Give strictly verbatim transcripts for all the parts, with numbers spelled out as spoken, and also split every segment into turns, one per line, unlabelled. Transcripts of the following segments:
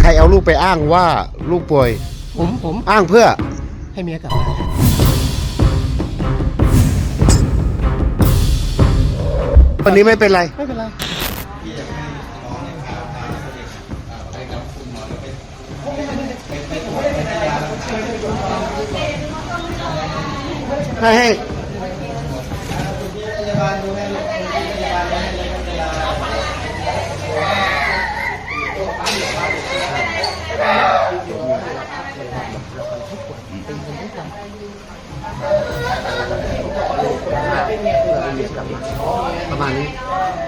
ใครเอาลูกไปอ้างว่าลูกป่วย
ผมผม
อ้างเพื่อ
ให้เมียกลับมา
วันนี้ไม่เป็นไร
ไม่เป็นไร
ให้ให้ประมาณนี้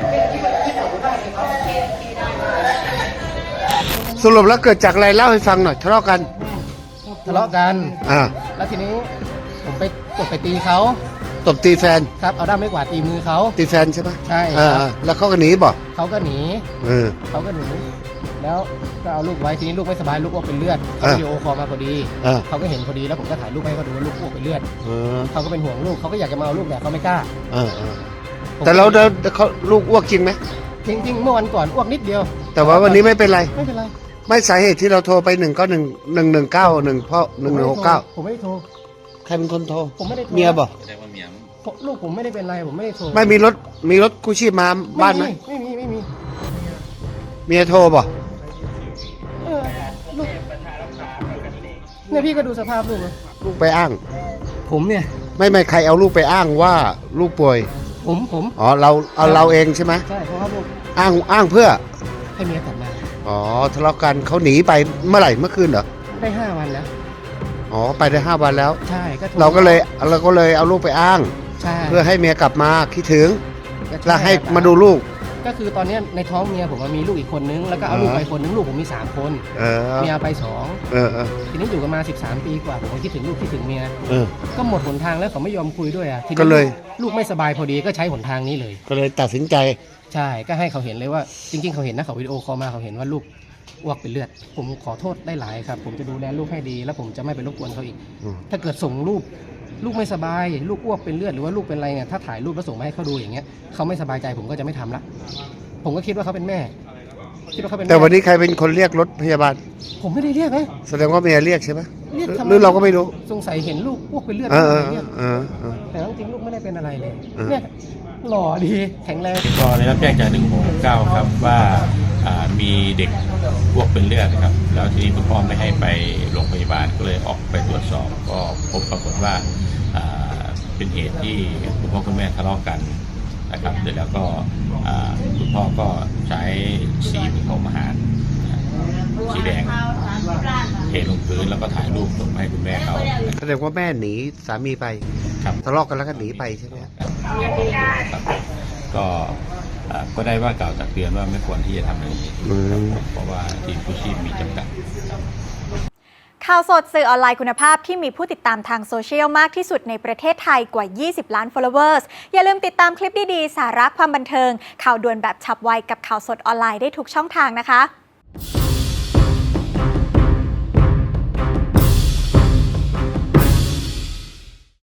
สรุปแล้วเกิดจากอะไรเล่าให้ฟังหน่อยทะเลาะกัน
ทะเลาะกัน
อ่า
แล้วทีนี้ผมไปกดไปตีเขา
ตบตีแฟน
ครับเอาด้ามไม้กวาดตีมือเขา
ตีแฟนใช่ปะ
ใช่
อ่าแล้วเขาก็หนีบอก
เขาก็หนี
เออ
เขาก็หนีแล้วก็เอาลูกไว้ทีนี้ลูกไม่สบายลูกอ้วกเป็นเลือดเขาวิดีโอคอลมาพอดีเขาก็เห็นพอดีแล้วผมก็ถ่ายรูปให้เขาดูว่าลูกอ้วกเป็นเลือดเขาก็เป็นห่วงลูกเขาก็อยากจะมาเอาลูกแต่เขาไม่กล้า
แต่เราเขาลูกอ้วกจริงไหม
จริงจริงเมื่อวันก่อนอ้วกนิดเดียว
แต่ว่าวันนี้ไม่เป็นไร
ไม่เป็นไร
ไม่สาเหตุที่เราโทรไปหนึ่งก็หนึ่งหนึ่งหนึ่งเก้าหนึ่งเพราะหนึ่งหนึ่งหกเก้า
ผมไม่ได้โทร
ใครเป็นคนโทร
ผมไม่ได้โทร
เมียบอก
แสดงว่าเมีย
ลูกผมไม่ได้เป็นไรผมไม่ได้โทร
ไม่มีรถมีรถกู้ชีพมาบ้านไหม
ไม่มีไม่มี
เมียโทรบอก
เออลูกเนี่ยพี่ก็ดูสภาพลูกนะ
ลูกไปอ้าง
ผมเนี่ย
ไม่ไม่ใครเอาลูกไปอ้างว่าลูกป่วย
ผมผม
อ๋อเราเอาเราเองใช่ไหม
ใช่เพราะว่าลูก
อ้างอ้างเพื่อ
ให้เมียกลับมา
อ๋อทะเลาะกันเขาหนีไปเมื่อไหร่เมื่อคืนเหรอ
ได้ห้าวันแล้ว
อ๋อไปได้ห้าวันแล้ว
ใช่ก็
เราก็เลยเราก็เลยเอาลูกไปอ้างเพื่อให้เมียกลับมาคิดถึงแล้วให้มาดูลูก
ก็คือตอนนี้ในท้องเมียผมมีลูกอีกคนนึงแล้วก็เอาลูกไปคนนึงลูกผมมีสามคนเมียไปสองทีนี้อยู่กันมาสิบสามปีกว่าผมก็คิดถึงลูกคิดถึงเมียก็หมดหนทางแล้วเขาไม่ยอมคุยด้วยอ่ะทีนี้ลูกไม่สบายพอดีก็ใช้หนทางนี้เลย
ก็เลยตัดสินใจ
ใช่ก็ให้เขาเห็นเลยว่าจริงๆเขาเห็นนะเขาวิดีโอคอลมาเขาเห็นว่าลูกอ้วกเป็นเลือดผมขอโทษได้หลายครับผมจะดูแลลูกให้ดีแล้วผมจะไม่ไปรบกวนเขาอีกถ้าเกิดส่งรูปลูกไม่สบายลูกอ้วกเป็นเลือดหรือว่าลูกเป็นอะไรเนี่ยถ้าถ่ายรูปแล้วส่งมาให้เขาดูอย่างเงี้ยเขาไม่สบายใจผมก็จะไม่ทำละผมก็คิดว่าเขาเป็นแม่คิดว่าเขาเป็น
แต่วันนี้ใครเป็นคนเรียกรถพยาบาล
ผมไม่ได้เรียกนะ
แสดงว่าเมียเรียกใช่ไหม
เรียก
หรือเราก็ไม่รู้
สงสัยเห็นลูกอ้วกเป็นเลือดแต่จริงๆลูกไม่ได้เป็นอะไรเลยเนี่ยหล่อดีแข็งแรง
ก็ได้รับแจ้งจากหนึ่งหกเก้าครับว่ามีเด็กอ้วกเป็นเลือดครับแล้วทีนี้คุณพ่อไม่ให้ไปโรงพยาบาลก็เลยออกไปตรวจสอบก็พบปรากฏว่าเป็นเหตุที่คุณพ่อคุณแม่ทะเลาะกันนะครับเสร็จแล้วก็คุณพ่อก็ใช้สีผสมอาหารสีแดงเทลงพื้นแล้วก็ถ่ายรูปส่งให้คุณแม่เขา
แสดงว่าแม่หนีสามีไป
ครับ
ทะเลาะกันแล้วก็หนีไปใช่ไหมครับ
ก็ก็ได้ว่ากล่าวตักเตือนว่าไม่ควรที่จะทำแบบนี้เพราะว่าทีมกู้ชีพมีจำกัด
ข่าวสดสื่อออนไลน์คุณภาพที่มีผู้ติดตามทางโซเชียลมากที่สุดในประเทศไทยกว่ายี่สิบล้าน followers อย่าลืมติดตามคลิปดีๆสาระความบันเทิงข่าวด่วนแบบฉับไวกับข่าวสดออนไลน์ได้ทุกช่องทางนะคะ